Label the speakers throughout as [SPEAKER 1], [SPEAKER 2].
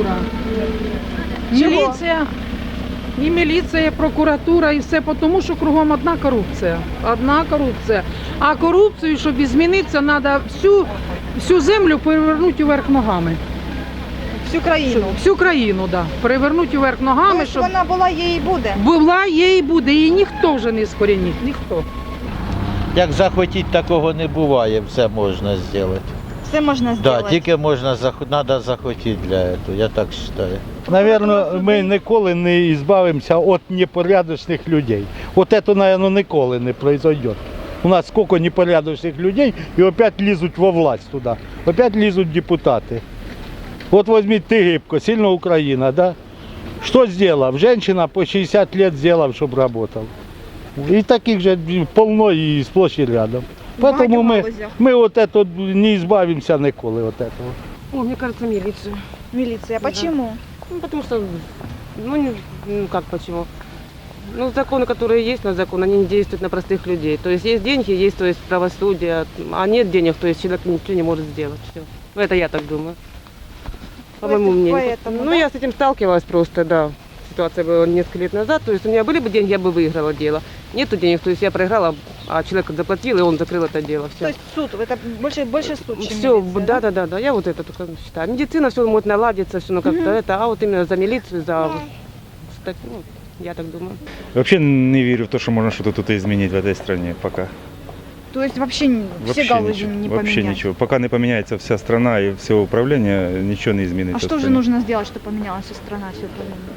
[SPEAKER 1] Да.
[SPEAKER 2] Чого?
[SPEAKER 1] Міліція, і міліція, і прокуратура, і все, тому що кругом одна корупція. Одна корупція. А корупцію, щоб змінитися, треба всю землю перевернути вверх ногами.
[SPEAKER 2] Всю країну.
[SPEAKER 1] Всю країну, да. Перевернути вверх ногами,
[SPEAKER 2] Тобто
[SPEAKER 1] щоб
[SPEAKER 2] вона була, є і буде.
[SPEAKER 1] була, є і буде. Її ніхто вже не скорінить, ніхто.
[SPEAKER 3] Як захотіти, такого не буває, все можна зробити.
[SPEAKER 2] Все можна
[SPEAKER 3] Да,
[SPEAKER 2] зробити.
[SPEAKER 3] тільки треба захотіти для цього, я так вважаю.
[SPEAKER 4] Навірно, ми ніколи не збавимося від непорядочних людей. От це, мабуть, ніколи не произойде. У нас скільки непорядочних людей і опять лізуть во власть туди. Опять лізуть депутати. От візьміть Тигибко, сильна Україна, да? Що зробив? Женщина по 60 років зробила, щоб працював. І таких же повно і сплошь і рядом. Поэтому ми от это не збавимося ніколи от этого.
[SPEAKER 5] О, мне кажется, милицию.
[SPEAKER 2] Міліція.
[SPEAKER 5] Да.
[SPEAKER 2] Почему?
[SPEAKER 5] Ну, потому что, как почему? Ну, законы, которые есть на закон, они не действуют на простых людей. То есть деньги, есть, то есть правосудие, а нет денег, то есть человек ничего не может сделать. Все. Ну, это я так думаю. По моему мнению.
[SPEAKER 2] Поэтому,
[SPEAKER 5] Ну,
[SPEAKER 2] да?
[SPEAKER 5] я с этим сталкивалась просто, да. Ситуация была несколько лет назад. То есть у меня были бы деньги, я бы выиграла дело. Нету денег, то есть я проиграла, а человек заплатил, и он закрыл это дело. Все.
[SPEAKER 2] То есть суд, это больше суд, чем
[SPEAKER 5] Все,
[SPEAKER 2] милиция,
[SPEAKER 5] да, я вот это только считаю. Медицина все может наладиться, все, ну как-то это, а вот именно за милицию, ну, я так думаю.
[SPEAKER 6] Вообще не верю в то, что можно что-то тут изменить в этой стране пока.
[SPEAKER 2] То есть вообще все галузі не
[SPEAKER 6] вообще
[SPEAKER 2] поменять.
[SPEAKER 6] ничего. Пока не поменяется вся страна и все управление, ничего не изменится.
[SPEAKER 2] А
[SPEAKER 6] в
[SPEAKER 2] что же
[SPEAKER 6] стране.
[SPEAKER 2] нужно сделать, чтобы поменялась вся страна, все управление?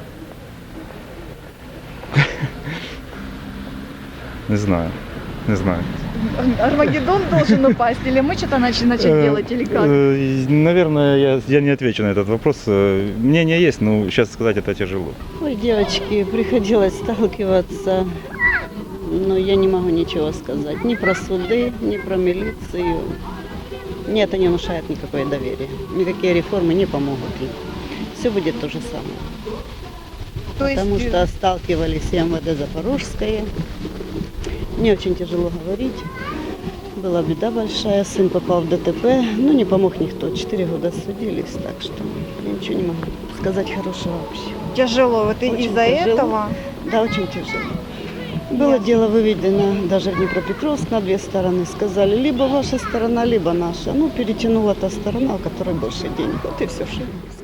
[SPEAKER 6] Не знаю. Не знаю.
[SPEAKER 2] Армагеддон должен упасть, или мы что-то начать делать, или как?
[SPEAKER 6] Наверное, я не отвечу на этот вопрос. Мнение есть, но сейчас сказать это тяжело.
[SPEAKER 7] Ой, девочки, приходилось сталкиваться, но я не могу ничего сказать. Ни про суды, ни про милицию. Мне это не внушает никакое доверие. Никакие реформы не помогут им. Все будет то же самое.
[SPEAKER 2] То есть,
[SPEAKER 7] Потому что сталкивались и МВД Запорожское. Мне очень тяжело говорить. Была беда большая, сын попал в ДТП, но не помог никто. 4 года судились, так что я ничего не могу сказать хорошего вообще.
[SPEAKER 2] тяжело, вот
[SPEAKER 7] Очень
[SPEAKER 2] из-за
[SPEAKER 7] тяжело.
[SPEAKER 2] этого.
[SPEAKER 7] Да, очень тяжело. Было дело выведено даже в Днепропетровск на 2 стороны. Сказали, либо ваша сторона, либо наша. Ну, перетянула та сторона, у которой больше денег. Вот и все, что я могу сказать.